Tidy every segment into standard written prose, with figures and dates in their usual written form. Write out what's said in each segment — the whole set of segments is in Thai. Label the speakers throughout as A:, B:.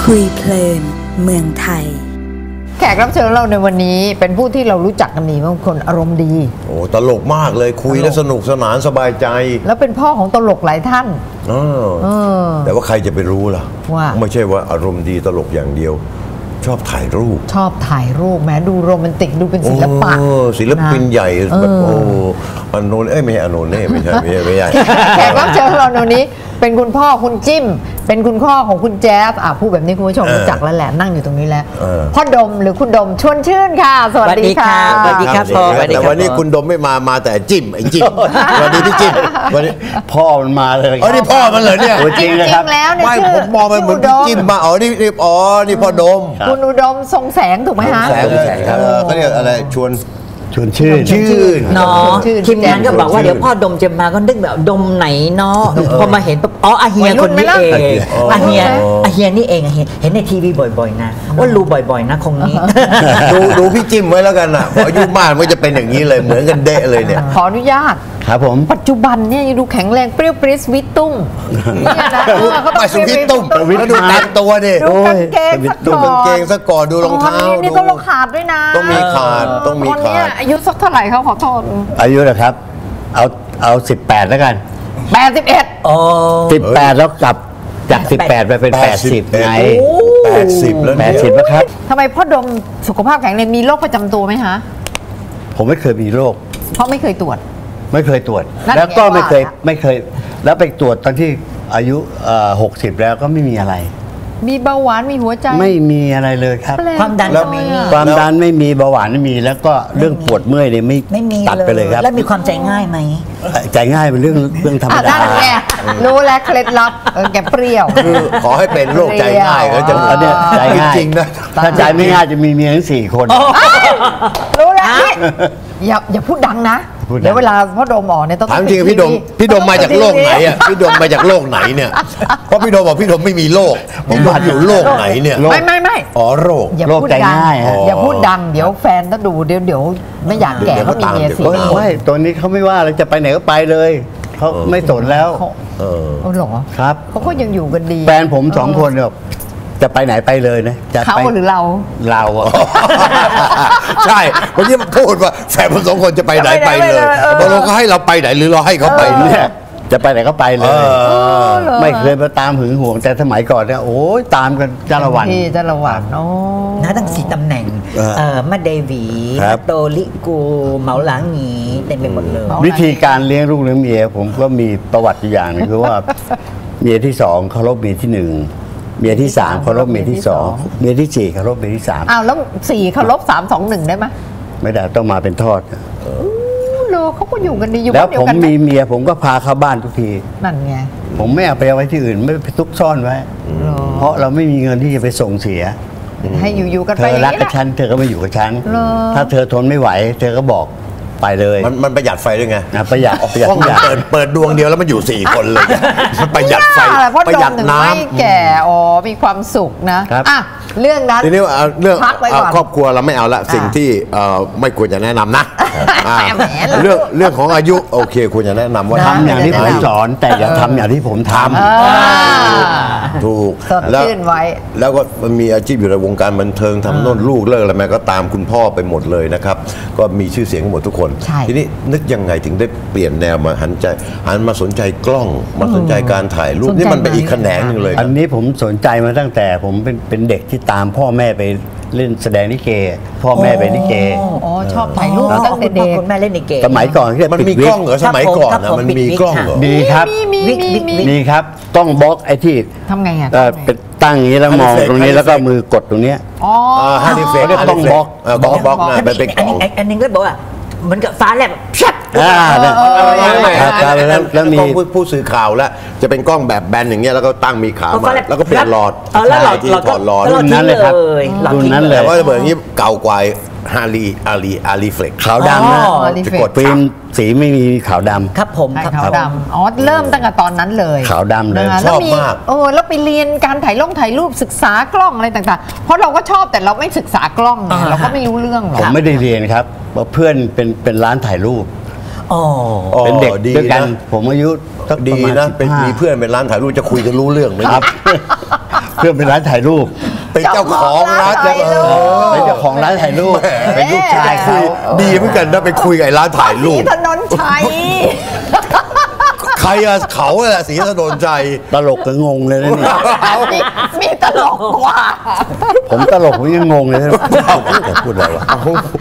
A: คุยเพลินเมืองไทย
B: แขกรับเชิญเราในวันนี้เป็นผู้ที่เรารู้จักกันดีบางคนอารมณ์ดี
C: โอ้ตลกมากเลยคุยแล้วสนุกสนานสบายใจ
B: แล้วเป็นพ่อของตลกหลายท่าน
C: แต่ว่าใครจะไปรู้ล่ะ
B: ว่า
C: ไม่ใช่ว่าอารมณ์ดีตลกอย่างเดียวชอบถ่ายรูป
B: แม้ดูโรแมนติกดูเป็นศิลปะ
C: ศิลปินใหญ่แบบโอ้อโนนไม่ใช่อโนนไม่ใช่
B: แขกรับเชิญเราในนี้เป็นคุณพ่อคุณจิ้มเป็นคุณพ่อของคุณแจ๊บพูดแบบนี้คุณผู้ชมรู้จักแล้วแหละนั่งอยู่ตรงนี้แล้วพ่อดมหรือคุณดมชวนชื่นค่ะสวัสดีค่ะ
D: สวัสดีครับพ่อ
C: แต่วันนี้คุณดมไม่มาแต่จิ้มไอ้จิ้มวันนี้พี่จิ้มวันนี้
D: พ่อมันมาเลย
C: อ๋อนี่พ่อมันเหรอเนี่ย
B: จริงนะครับ
C: ไม่ผมมองมันเหมือนพี่จิ้มมานี่พ่อดม
B: คุณอุดมทรงแสงถูกไหมฮะ
C: แสงครับเขาเรียกอะไรชวน
D: ชื่น
E: เนาะทีมงานก็บอกว่าเดี๋ยวพ่อดมจะมาก็นึกแบบดมไหนเนาะพอมาเห็นปุ๊บอาเฮียคนนี้เองอาเฮียนี่เองเห็นในทีวีบ่อยๆนะว่ารู้บ่อยๆนะคงนี้
C: ดูพี่จิ้มไว้แล้วกันอ่ะพออายุมากมันจะเป็นอย่างนี้เลยเหมือนกันเดะเลยเนี่ย
B: ขออนุญาต
D: ครับผม
B: ปัจจุบันเนี่ยยังดูแข็งแรงเปรี้ยวปริ้สวิตตุ้ม
C: เนี่ยนะไม่สวิตตุ้มแล้วดูแต่งตัวดิ
B: ดูกางเกง
C: ซะก่อนดูรองเท้า
B: นี่ต้องขาดด้วยนะ
C: ต้องมีขาด
B: อายุสักเท่าไหร่เขาขอโทษ
D: อายุนะครับเอา18แล้วกัน
B: 81
D: อ๋อ18แล้วกลับจาก18ไปเป็น80ไง
C: 80แล้ว
D: 80แล้วครับ
B: ทำไมพ่อดมสุขภาพแข็งแรงมีโรคประจำตัวไหมฮะ
D: ผมไม่เคยมีโรค
B: เพราะไม่เคยตรวจ
D: แล้วก็ไม่เคยแล้วไปตรวจตอนที่อายุ60แล้วก็ไม่มีอะไร
B: มีเบาหวานมีหัวใจ
D: ไม่มีอะไรเลยครับ
E: ความดันก็ไม่มี
D: ความดันไม่มีเบาหวานไม่มีแล้วก็เรื่องปวดเมื่อยเนี่ยไม่มีตัดไปเลยครับ
E: แล้วมีความใจง่ายไหม
D: ใจง่ายเป็นเรื่องธรรมดา
B: รู้แล้วเคล็ดลับแกเปรี้ยว
C: คือขอให้เป็นโรคใจง่ายแล้วจะ
D: เนี่ยใจง่าย
C: จริงนะ
D: ถ้าใจไม่ง่ายจะมีเมียทั้ง4คน
B: รู้แล้วอย่าพูดดังนะเดี๋ยวเวลาพ่อดมออกเนี่ยต้อง
C: ถามจริงพี่ดมมาจากโลกไหนอ่ะพี่ดมมาจากโลกไหนเนี่ยเพราะพี่ดมบอกพี่ดมไม่มีโรคผมว่าอยู่โลกไหนเนี่ย
B: ไม่
C: อ๋อโรค
D: โรคใจง่าย
B: อย่าพูดดังเดี๋ยวแฟนถ้าดูเดี๋ยวไม่อยากแก่เขามีเมียสิ
D: ไม่ตัวนี้เขาไม่ว่าเลยจะไปไหนก็ไปเลยเขาไม่สนแล้ว
B: หรอ
D: ครับ
B: เขาก็ยังอยู่กันดี
D: แฟนผม2คนเนี่ยจะไปไหนไปเลยนะ
B: เขาหรือเรา
C: ใช่เมื่อกี้พูดว่าแฟนผม2คนจะไปไหนไปเลยตกลงเขาให้เราไปไหนหรือเราให้เขาไปเนี่ย
D: จะไปไหนก็ไปเลยไม่เคยมาตามหึงหวงแต่สมัยก่อนเนี่ยโอ้ยตามกันจ้าละวัน
E: นะตั้ง4ตำแหน่งมาเดวีโตลิกูเหมาหลังหนีเต็มไปหมดเลย
D: วิธีการเลี้ยงลูกเลี้ยงเมียผมก็มีประวัติอย่างนึงคือว่าเมียที่2เคารพเมียที่1เมียที่3เคารพเมียที่2เมียที่4เคารพเมียที่3
B: แล้ว4เคารพ3 2 1ได้ไหม
D: ไม่ได้ต้องมาเป็นทอด
B: เขาก็อยู่กันดีอยู่
D: แล้วผมมีเมียผมก็พาเข้าบ้านทุกที
B: นั่นไง
D: ผมไม่เอาไปไว้ที่อื่นไม่ไปซุกซ่อนไว้เพราะเราไม่มีเงินที่จะไปส่งเสีย
B: ให้อยู่กันไป
D: เธอรักกับฉันเธอก็มาอยู่กับฉันถ้าเธอทนไม่ไหวเธอก็บอกไปเลย
C: มันประหยัดไฟด้วยไง
D: ประหยัด
C: ห้องเปิดดวงเดียวแล้วมันอยู่4คนเลยประหยัดไฟประหยัดน้
B: ำแก่มีความสุขนะเรื่องนั้น
C: ทีนี้เรื่องครอบครัวเราไม่เอาละสิ่งที่ไม่ควรจะแนะนำนะเรื่องของอายุโอเคควรจะแนะนำว่า
D: ทำอย่างที่ผมสอนแต่อย่าทำอย่างที่ผมท
C: ำถูกแล้วก็มันมีอาชีพอยู่ในวงการบันเทิงทำโน่นลูกเลิกอะไรแม่ก็ตามคุณพ่อไปหมดเลยนะครับก็มีชื่อเสียงหมดทุกคนทีนี้นึกยังไงถึงได้เปลี่ยนแนวมาหันมาสนใจกล้องมาสนใจการถ่ายรูปนี่มันเป็นอีกแขนงนึงเลย
D: อันนี้ผมสนใจมาตั้งแต่ผมเป็นเด็กที่ตามพ่อแม่ไปเล่นแสดงลิเกพ่อแม่ไปลิเก
B: ชอบถ่ายรูปตั้งแต่เด็ก
E: คุณแม่เล่นลิเก
D: สมัยก่อน
C: มันมีกล้องเหรอสมัยก่อนนะมันมีกล้องเหรอ
D: มีครับมีครับต้องบล็อกไอ้ที่
B: ทำไงอ่ะ
D: เป็นตั้งอย่างนี้แล้วมองตรงนี้แล้วก็มือกดตรงนี้
C: ฮันนี่เฟก
D: ต้องบล็อก
C: นะเป็นกล้อง
E: อันนึงก็บอกว่าเหมือนกับฟ้าแลบชัด
C: แล้วมีผู้สื่อข่าวแล้วจะเป็นกล้องแบบแบนอย่างเงี้ยแล้วก็ตั้งมีขามาแล้วก็เปลี่ยนหลอดที่ถอดหลอด
D: รุ่นนั้นเลยครับรุ่นนั้นเลย
C: แต่ว่าแบบนี้เก่ากว่าอารีเฟล็ก
D: ขาวดำนะจะกดฟิล์มสีไม่มีขาวดำ
E: ครับผม
B: ขาวดำเริ่มตั้งแต่ตอนนั้นเลย
D: ขาวดำเลย
C: ชอบมาก
B: แล้วไปเรียนการถ่ายรูปศึกษากล้องอะไรต่างๆเพราะเราก็ชอบแต่เราไม่ศึกษากล้องเราก็ไม่รู้เรื่องหรอก
D: ผมไม่ได้เรียนครับเพื่อนเป็นร้านถ่ายรูปเป็นเด็กด้วยกันผมอายุ
C: ดีนะเป็นมีเพื่อนเป็นร้านถ่ายรูปจะคุยกันรู้เรื่องไหมครับ
D: เพื่อนเป็นร้านถ่ายรูป
C: เป็นเจ้าของร้าน
D: เป็นเจ้าของร้านถ่ายรูปเป็นลูกชายเขา
C: ดีเหมือนกันนะไปคุยกับไอ้ร้านถ่ายรูป
B: ถนนชัย
C: ใครอะเขาแหละสีถนนใจ
D: ตลกก็งงเลยนะเนี่ย
B: มีตลกกว่า
D: ผมตลกผมยังงงเลยนะพูดอะไรวะ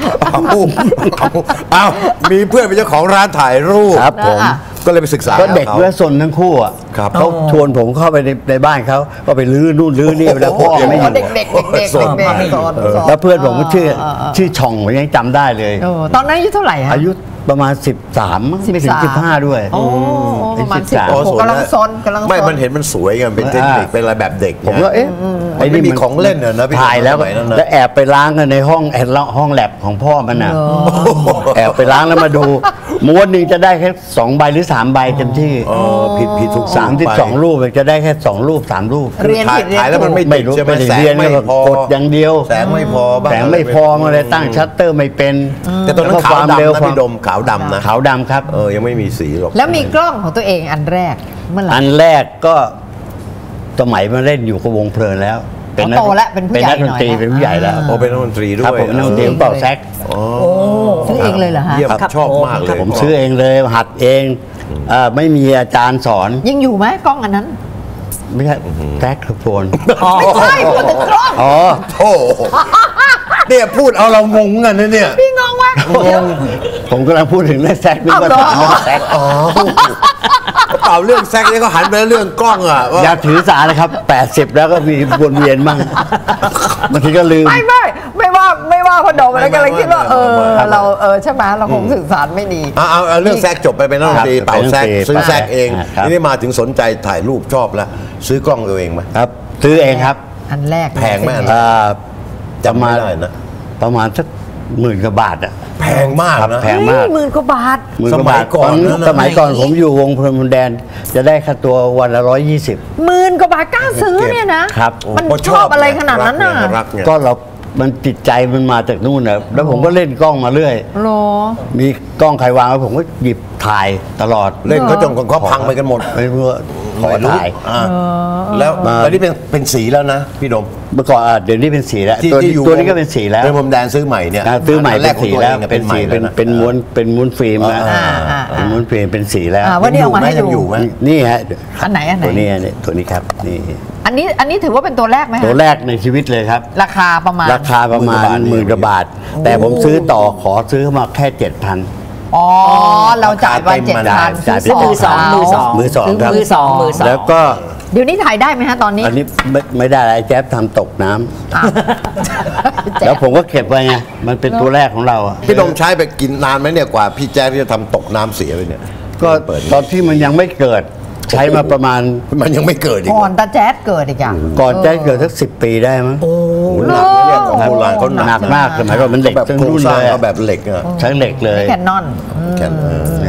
C: เอามีเพื่อนเป็นเจ้าของร้านถ่ายรูป
D: ครับผม
C: ก็เลยไปศึกษา
D: ก็เด็ก
C: ขา
D: เมื่อสนทั้งคู่อ่ะ
C: ครับ
D: เขาชวนผมเข้าไปในบ้านเขาก็ไปลื้อนู่นลื้อนี่แล้วพ่อไม่อยู่
B: เด็กๆสอน
D: แล้วเพื่อนผมก็ชื่อช่องผมยังจำได้เลย
B: ตอนนั้นอายุเท่าไหร่ฮะ
D: อายุประมาณ 13มั้งไม่ถึง 15 ด้วย
B: โอ้ประมาณ
C: อ๋อ
B: 16กำลังซนกำลังซน
C: ไม่มันเห็นมันสวยไงเป็นเทคนิคเป็นอะไรแบบเด็ก
D: ผมก็เอ๊ะ
C: ไอ้นี่มีของเล่นเหรอนะพี่
D: ถ่ายแล้ว
C: สมัยนั้นนะ
D: แล้วแอบไปล้างกันในห้องแลบของพ่อมันน่ะแอบไปล้างแล้วมาดูม้วนหนึ่งจะได้แค่2 ใบหรือ 3 ใบเต็มที่
C: อ๋อผิดทุก
D: 32 รูปจะได้แค่ 2 รูป 3 รูป
B: เรียนผิด
C: ถ่ายแล้วมันไม่
D: ไม่
C: ติด
D: รู้
C: ใช่ไหม
D: ไม่ได้
C: แสง
D: เรียน
C: ไม่พอก
D: ดอย่างเดียว
C: แสงไม่พอบ้าง
D: แสงไม่พอมาเลยตั้งชัตเตอร์ไม่เป็น
C: แต่ตอนนั้น
D: แล้วก็
C: ขาวดำนะ
D: ความ
C: พี่ดมขาวดำนะ
D: ขาวดำครับ
C: ยังไม่มีสีหรอก
B: แล้วมีกล้องของตัวเองอันแรกเมื่อไหร่
D: อันแรกก็สมัยมาเล่นอยู่กับวงเพลินแล้ว
B: โตแล้วเป็นผู้ใหญ่
D: นักดนตรี
B: หน่อยนะ
D: เป็นผู้ใหญ่แล้ว
C: โอ้เป็นนักดนตรีด้
D: ครับ
C: วย
D: ผมนักดนตรีผมเป่าแซก
B: ซื้อเองเลยเหรอฮะ
C: เยี่ยม
E: ครับ
C: ชอบมากเลย
D: ผมซื้อเองเลยหัดเองไม่มีอาจารย์สอน
B: ยังอยู่ไหมกล้องอันนั้น
D: ไม่ใช่แซกโฟน
B: ไม่ใช่พูดถึงกล้อง
D: อ๋อ
C: โอ้เนี่ยพูดเอาเรางงกันนะเนี่ย
B: พี่งงไหมเดี๋ยว
D: ผมกำลังพูดถึงเรื่องแซกนึกว่า
B: อ้าวเหรอ
D: ถามเรื่องแซก
C: เปล่าเรื่องแซกเนี่ยก็หันไปเรื่องกล้องอ่ะว่า
D: อย่าถือสานะครับ 80 แล้วก็มีวนเวียนมั่งบางทีก็ลืม
B: ไม่ว่าพอดมแล้วก็เลยคิดว่าเราใช่ไหมเราคงสื่อสารไม่ดี
C: เอาเรื่องแซกจบไปเป็นนักดนตรี
D: ครับ
C: เป่าแซก
D: เป็นนักดนตรี
C: ซื้อแซกเอง
D: ครับ
C: ทีนี้มาถึงสนใจถ่ายรูปชอบแล้ว ซื้อกล้องตัวเองไหม
D: ครับ ซื้อเองครับ
B: อันแรก
C: แพงไหมอัน จำไม่ได้นะ
D: ประมาณสัก10,000 กว่าบาทอ่ะ
C: แพงมาก
D: ครับ
C: นะ
D: แพงมาก
B: หมื่นกว่าบาท
D: 10,000 กว่าบาท
C: สมัยก่อนนะ
D: สมัยก่อนผมอยู่วงเพลินพรมแดน จะได้ค่าตัววันละ 120
B: หมื่นกว่าบาทกล้าซื้อเนี่ยนะครับ มัน
C: เพราะ
B: ชอบอะไรขนาดนั้นน่ะ
C: รักไง
D: ก็มันติดใจมันมาจากนู่นนะแล้วผมก็เล่นกล้องมาเรื่อย
B: โล
D: มีกล้องใครวางไว้ผมก็หยิบถ่ายตลอด
C: เล่นก็จนเขาพังไปกันหมด
D: ไม่รู้ว่าขอถ่าย
C: แล้วตอนนี้เป็นสีแล้วนะพี่ดม
D: เมื่อก่อนเดี๋ยวนี้เป็นสีแล้ว
C: ที่
D: ตัว
C: ที่อยู่
D: ตัวนี้ก็เป็นสีแล้ว
C: เรื่องผมแดนซื้อใหม่เนี่ย
D: ซื้อใหม่
C: อันแร
D: เป็
C: ก
D: น
C: ของ
D: สี
C: ตัว
D: แล้ว
C: เอง
D: เป็นสี
C: ใหม่แล้วะ
D: เป็นม้วนฟิล์มนะ เป็นม้วนฟิล์มเป็นสีแล้ว
B: วันนี้เอามาให้
C: ยังอยู่
B: ดู
C: ไหม
D: นี่ฮะ
B: อันไหน
D: ตัวนี้ครับนี่
B: อันนี้ถือว่าเป็นตัวแรกไหมฮะ
D: ตัวแรกในชีวิตเลยครับ
B: ราคาประมาณ
D: ราคาประมาณ10,000 กว่าบาท แต่ผมซื้อต่อขอซื้อมาแค่ 7,000
B: อ๋อเราจ่ายไป 7,000
D: จ่ายไป
E: ซื้อมือสองมือสอง
D: มือสองครับ
E: มือสองมือสอง
D: แล้วก็
B: เดี๋ยวนี้ถ่ายได้ไหมฮะตอนนี้
D: อันนี้ไม่ได้อะไรแจ๊บทำตกน้ำ
B: อ่ะ
D: แล้วผมก็เก็บไว้ไงมันเป็นตัวแรกของเราอะ
C: พี่ดมใช้ไปกินนานไหมเนี่ยกว่าพี่แจ๊คจะทำตกน้ำเสียไปเนี่ย
D: ก็
C: เปิด
D: ตอนที่มันยังไม่เกิดใช้มาประมาณ
C: มันยังไม่เกิดอีก
B: ก่อนตาแจ๊ดเกิดอีกอ่ะ
D: ก่อนจะเกิดสัก10 ปีได้มั้ง
C: โอ้โหหนักนะเนี่ยของโบราณเขา
D: หนักมากสมัยก่อนมันเหล็ก
C: แบบ
D: ทั้ง
C: โครง
D: รุ่น
C: สร้าง
D: เลย
C: เขาแบบเหล็กอะ
D: ใช้เหล็กเลย
B: แคนนอน
C: แค่นั้น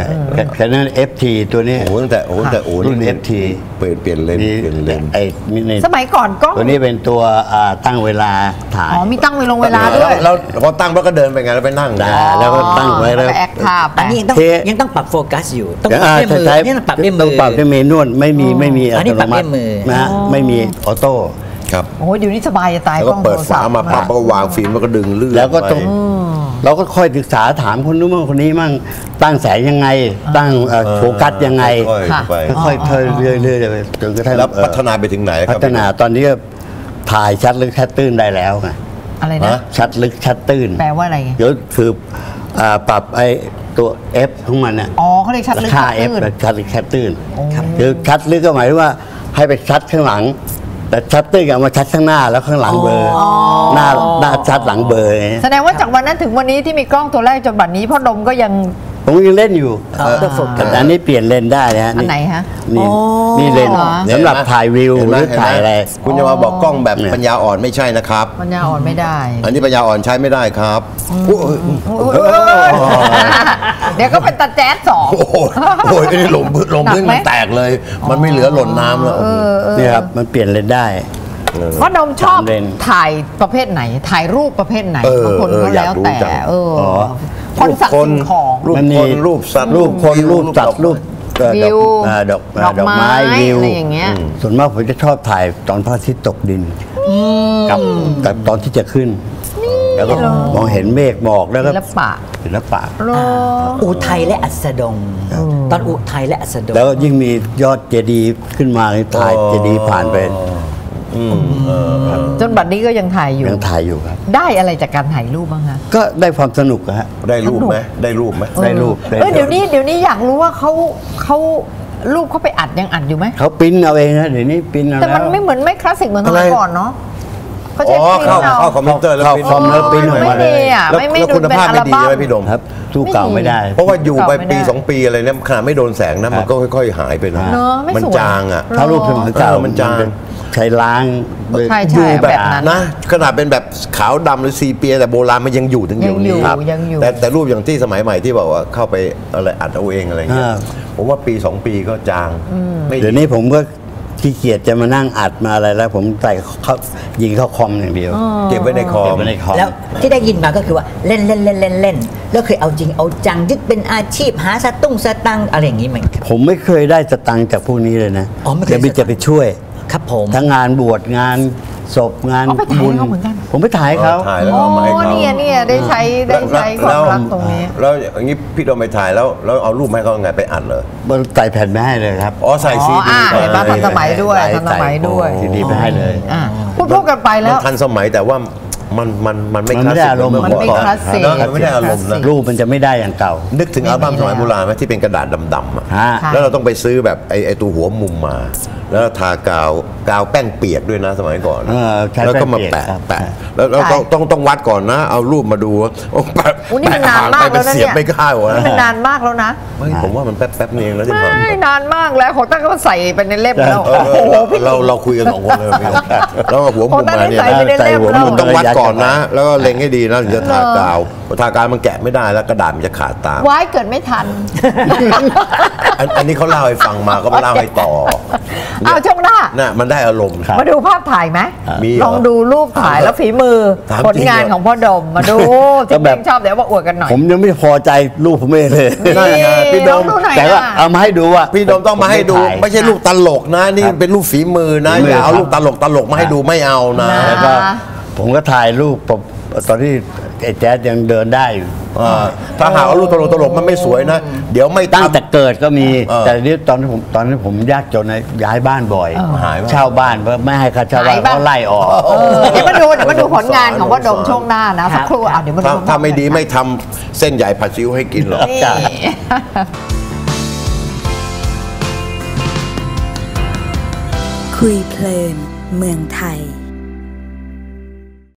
D: แค่นั้น FT ตัวนี้
C: โอ้โหตั้งแต่
D: รุ่น
C: นี่
D: FT
C: เปลี่ยนเลน
D: มี
C: เปลี่ยนเลน
D: ไอ้นี่
B: สมัยก่อนกล้อง
D: ตัวนี้เป็นตัวตั้งเวลาถ่าย
B: อ๋อมีตั้งเวลาด้วย
C: แล้วพอตั้งแล้วก็เดินไปไงแล้วไปนั่ง
D: แล้วก็ตั้งไว้แล้ว
B: แอคท่าไป
E: อันนี้ยังต้องปรับโฟกัสอยู่ต้องปรับด้วยมือเนี่ยต้องปรับด้วยมื
D: ต้อง
E: อ
D: ปรับด้วยมือนวดไม่มีอั
E: อันนี้
D: ต
E: ป
D: โน
E: รับ
D: มั
E: ด้
D: ติ
E: วยมือ
D: นะฮะไม่มีออโต้
C: ครับ
B: โอ้ยเดี๋ยวนี้สบายจะตาย
C: แล้ว
B: ก
C: ก็
B: ล้องโท
C: เปิด
B: รศั
C: ฝา
B: พท์
C: มาปั๊บแล้วก็วางฟิล์มแล้วก็ดึงเลื่อน
D: แล้วก็ต้อง
C: ไป
D: เราก็ค่อยศึกษาถามคนนู้นมั่งคนนี้มั่งตั้งแสงยังไง ตั้งโฟกัสยังไง
C: ค่อยๆไป
D: ค่อยๆเรื่อยๆไปจนกระทั่ง
C: แล้วพัฒนาไปถึงไหนค
D: พั
C: รับ
D: ฒนาตอนนี้ก็ถ่ายชัดลึกชัดตื้นได้แล้วไง
B: อะไรนะ
D: ชัดลึกชัดตื้น
B: แปลว่าอะไรไง
D: เดี๋ยวคือปรับไอ้ตัว F ของมันน่ะ
B: อ๋อเขาเรียกชัดลึก
D: ค่า
B: ชัด
D: F
B: ตื้น
D: ชัดลึกชัดตื้น
B: ครับ
D: คือชัดลึกก็หมายถึงว่าให้ไปชัดข้างหลัง แต่ชัดตื้นเอามาชัดข้างหน้าแล้วข้างหลังเบลออหน้าชัดหลังเบลอไง
B: แสดงว่าจากวันนั้นถึงวันนี้ที่มีกล้องตัวแรกจนบัดนี้พ่อดมก็ยัง
D: ผมยังเล่นอยู่
E: ต้องโฟกัส
D: แต่อันนี้เปลี่ยนเลนส์ได้นะฮะ
B: อันไหนฮะ
D: นี่
B: อ๋อ
D: นี่เลนส์
B: เหรอ
D: สำหรับถ่ายวิว
C: เห็น
D: ห
C: ไหม
D: รือถ่ายอะไร
C: คุณจะมาบอกกล้องแบบปัญญาอ่อนไม่ใช่นะครับ
B: ปัญญาอ่อนไม่ได้
C: อันนี้ปัญญาอ่อนใช้ไม่ได้ครับโอ้ย
B: เดี๋ยวก็เป็นตาแจ๊ดสอง
C: โอ้โหโอ้ยนี่หล่มพื้น
B: หนักไหม
C: มันแตกเลย มันไม่เหลือหล่นน้ำแล้ว
D: นี่ครับมันเปลี่ยนเลนส์ได้
B: พ่อดมชอบ
D: สามเลน
B: ถ่ายประเภทไหน ถ่ายรูปประเภทไหน
C: เออบ
B: างคนก็
C: อยาก
B: แล้ว
C: รู้
B: แต่
C: จัง
B: คนสัตว์สิ่งของ
C: รูป
D: มันมี
C: คนรูปสัตว์
D: รูปคนรูปสัตว์รูป
B: วิว
D: ดอกไม้วิว
B: อะไรอย่างเงี้ย
D: ส่วนมากผมจะชอบถ่ายตอนพระอาทิตย์ตกดินกับตอนที่จะขึ้น แล้วก็มองเห็นเมฆหมอกแล้วก็ ศิลปะ
E: อุทัยและอัสดง ตอนอุทัยและอัสดง
D: แล้วยิ่งมียอดเจดีย์ขึ้นมาถ่ายเจดีย์ผ่านไป
B: จนบัดนี้ก็ยังถ่ายอยู่
D: ยังถ่ายอยู่ครับ
B: ได้อะไรจากการถ่ายรูปบ้างคะ
D: ก็ได้ความสนุกอะฮะ
C: ได้รูปไหมได้รูปไหม
D: ได้รูป
B: เดี๋ยวนี้อยากรู้ว่าเขารูปเขาไปอัดยังอัดอยู่ไหม
D: เขาปริ้นเอาเองนะเดี๋ยวนี้ปริ้นเอา
B: แต่มัน
D: แล้ว
B: ไม่เหมือนไม่คลาสสิกเหมือนสมัยก่อนเนาะเขา
C: อ๋
B: ใช้
C: อ
B: ปริ้นเอา
C: เข้าคอมพิวเตอร์แล้ว
D: เข้า
C: ปริ้น
D: คอมแล้วปริ้นออกมาเลย
B: ไม่ดีอะ
C: แล้ว
B: ไม่
C: แล้ว
B: ดู
C: คุณ
B: เป็น
C: ภาพ
B: อั
C: ไม่
B: ล
C: ดี
B: บั้ม
C: ใช่ไหมพี่ดม
D: ครับสู้เก่าไม่ได้
C: เพราะว่าอยู่ไปปี
B: ไม่ได้
C: 2 ปีอะไรเนี่ยขนาดไม่โดนแสงนะมันก็ค่อยๆหายไปนะ
B: เนอะไม่
C: มัน
B: สวย
C: จางอ่ะ
D: ถ้ารูปสมัยเก่า
C: มันจาง
D: ใช้ล้าง
B: ใช่
C: อยู่
B: แบบนั้น
C: นะขนาดเป็นแบบขาวดำหรือซีเปียแต่โบราณมันยังอยู่ถึงเดี๋ยวนี้
B: ยังอยู่
C: แต่รูปอย่างที่สมัยใหม่ที่บอกว่าเข้าไปอะไรอัดเอาเองอะไรเงี้ยผมว่าปี 2 ปีก็จางไม่
D: เดี๋ยวนี้ผมก็ขี้เกียจจะมานั่งอัดมาอะไรแล้ว ผมใส่เข้ายิงเข้าคอมอย่างเดียว
C: เก็บไว้ในคอ
D: เก็บ
C: ม
D: ไว้ในคอม
E: แล้วที่ได้ยินมาก็คือว่าเล่นแล้วเคยเอาจริงเอาจังยึดเป็นอาชีพหาสตังค์อะไรอย่างนี้ไหมครับ
D: ผมไม่เคยได้สตังค์จากพวกนี้เลยนะ
E: อ๋อไม่เคย
D: เดี๋ยวบิจะไปช่วย
E: ครับผม
D: ทั้งงานบวชงานศพงาน
B: เอาไปถ่าย
D: บุญ
B: เขาเหมือนกัน
D: ผมไปถ่ายเขา
C: ถ่ายแล้ว
B: โอ้
C: เอามาให้เขา
B: เนี่ยได้ใช้ความรักตรงนี้
C: แล้วอย่างนี้พี่โดมไปถ่ายแล้วเอารูปมาให้เขาไงไปอัดเหรอ
D: มันใส่แผ่นไม่ให้เลยครับ
C: อ๋อใส่ซีดี
B: เห็นปะทันสมัยด้วย
D: ใส่
B: ทันสมัยด้วย
D: ซีดีไปให้เลย
B: พูดกันไปแล้ว
C: มันทันสมัยแต่ว่ามันไม่
D: มัน
C: คลา
D: ไม่
C: ส
D: ได้
C: สิก
D: อารมณ์
C: เหมือน
B: มันไม่
C: เมื่อก่อน
B: คลาสสิก
C: เนอะมันไม่ได้อารมณ์นะ
D: รูปมันจะไม่ได้อย่างเก่า
C: นึกถึงอัลบั้มสมัยโบราณไหมที่เป็นกระดาษดำๆอะ
D: ฮะ
C: แล้วเราต้องไปซื้อแบบไอ้ตัวหัวมุมมา แล้วทากาวแป้งเปียกด้วยนะสมัยก่อน
D: ใช้
C: แล้วก็มา
D: แป้งเปียกครับ
C: แปะแล้วเราต้องวัดก่อนนะ เอารูปมาดูโอ้แปะ
B: นี่มันนานมากแล้วนะ
C: เสีย
B: เนี่
C: บ
B: ย
C: ไม่เข้าวะ
B: นี่มันนานมากแล้วนะ
C: ไม่ผมว่ามันแป๊บๆเองแล้วที่ผ่าน
B: ไม่นานมากแล้วของตั้งก็ใส่ไปในเล่มแล้ว
C: เราคุยกัน2 คนเลยพี่แล้วหัวมุมมาเนี่ย
B: ใส่ไปในเล่มแล้ว
C: มันต้องวัดก่อนนะ แล้วก็เล็งให้ดีนะถึงจะทากาวพอทากาวมันแกะไม่ได้แล้วกระดาษมันจะขาดตาม
B: ไว้เกิดไม่ทัน
C: อันนี้เขาเล่าให้ฟังมาก็มาเล่าให้ต่อ
B: อ้าวช่วงหน้า
C: น่ะมันได้อารมณ์
B: มาดูภาพถ่ายไหม
C: มีเหรอ
B: ลองดูรูปถ่ายแล้วฝีมือ
C: ถาม
B: ผลงาน
C: จริงเหรอ
B: ของพ่อดมมาดู
D: ก็
B: ที่
D: แบ
B: แบบ บชอบเดี๋ยวมาอวดกันหน่อย
D: ผมยังไม่พอใจรูปผมเองเลย
C: นั่นไงพี่โดม
B: ลองดูหน่อย
D: แต่ว่า
B: นะ
D: เอามาให้ดูว่า
C: พี่โดมต้องมาให้ดู
D: ผถ่าย
C: ไม่ใช่รูปตลกนะ นี่เป็นรูปฝีมือนะ
D: ฝีมือ
C: อย่าเอา
D: ครับ
C: รูปตลกมาให้ดูไม่เอานะ
B: นะ
D: แล้วก็ผมก็ถ่ายรูปผมตอนที่ไอ้แจ๊ดยังเดินได้อยู่
C: ถ้าหากว่ารูปตลกมันไม่สวยนะ เดี๋ยวไม่
D: ตั้งแต่
C: ทำ
D: เกิดก็มี
C: แต่
D: แต่นี่ตอนนี้ผมยากจนนะย้ายบ้านบ่อย
C: หายบ้าน
D: เช่าบ้านเพราะไม่ให้ค่าเช่าบ้าน
B: หายบ้าน
D: เขาไล่ออก
B: เดี๋ยวมาดูผลงานของพ่อดมช่วงหน้านะสักครู่เดี๋ยวมาดู
C: ถ้าไม่ดีไม่ทำเส้นใหญ่ผัดซีอิ๊วให้กินหรอก
B: นี่
A: คุยเพลินเมืองไทย